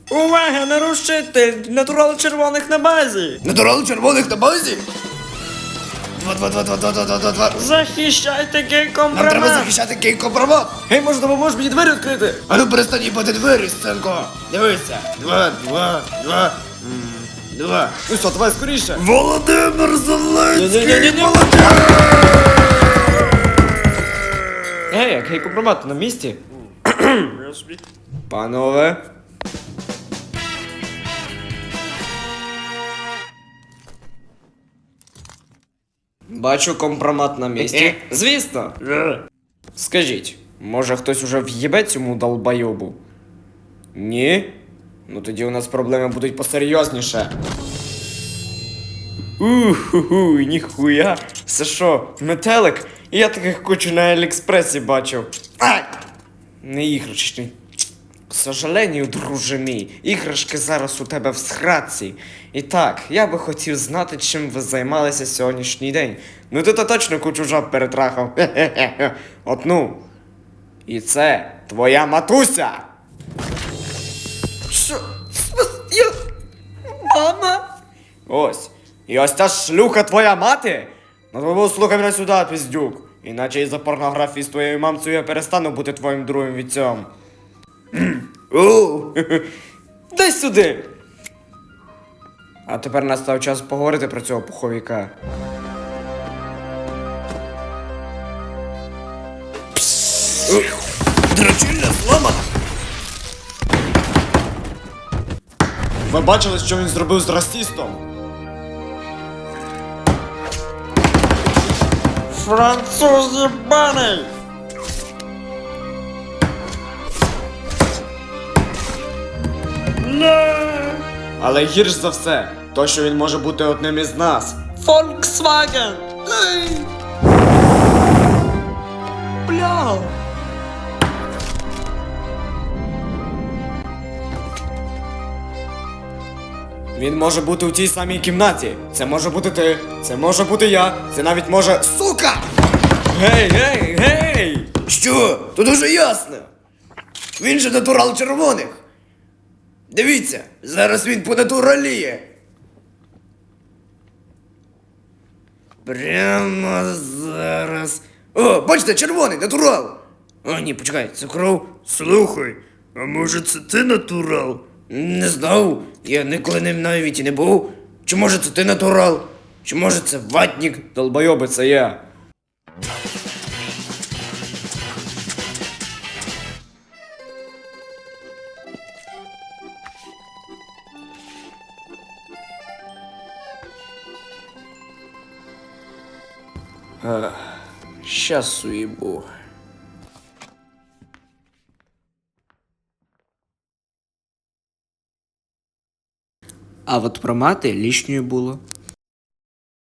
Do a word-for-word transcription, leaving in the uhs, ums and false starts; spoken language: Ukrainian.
Увага, нарушитель! Натурал червоних на базі! Натурал червоних на базі? Два, два, два, два, два, два, два, два, два. Захищайте Нам треба гей-компромат! захищати гей-компромат. Гей, може, допоможеш мені двері відкрити? А ну перестань їбати двері, сценко. Дивися. Два, два, два. М, Два. Ну що, давай скоріше! Володимир Зеленський! Ні-ні-ні-ні. Молодець! Гей, як гей-компромат на місці? Панове. Бачу компромат на місці. Звісно. Скажіть, може хтось уже в'єбе цьому долбойобу? Ні? Ну тоді у нас проблеми будуть посерйозніше. Уху, ніхуя. Це що, метелик? Я таких кучу на Аліекспресі бачив. Ай! Не іграшки. К сожалению, друже мій, іграшки зараз у тебе в схратці. І так, я би хотів знати, чим ви займалися сьогоднішній день. Ну ти то точно кучу жаб перетрахав. Хе-хе-хе. От ну. І це твоя матуся. Що? Я... Мама? Ось. І ось ця шлюха твоя мати? Ну тому слухай мене сюди, піздюк. Іначе із-за порнографії з твоєю мамцею я перестану бути твоїм другим вітцем. Оу. Дай сюди. А тепер настав час поговорити про цього пуховіка. Дрочильня зламана. Ви бачили, що він зробив з расистом? Француз єбаний! Але гірш за все, то що він може бути одним із нас. Volkswagen! Бля! Він може бути у тій самій кімнаті. Це може бути ти, це може бути я, це навіть може... Сука! Гей, гей, гей! Що? Тут дуже ясно. Він же натурал червоних. Дивіться, зараз він понатураліє. Прямо зараз. О, бачите, червоний, натурал. О, ні, почекай, це кров. Слухай, а може це ти натурал? Не знав, я ніколи ним навіть і не був. Чи може це ти натурал? Чи може це ватник? Долбойоби, це я. Ах, щас уїбу. А от про мати лишньою було.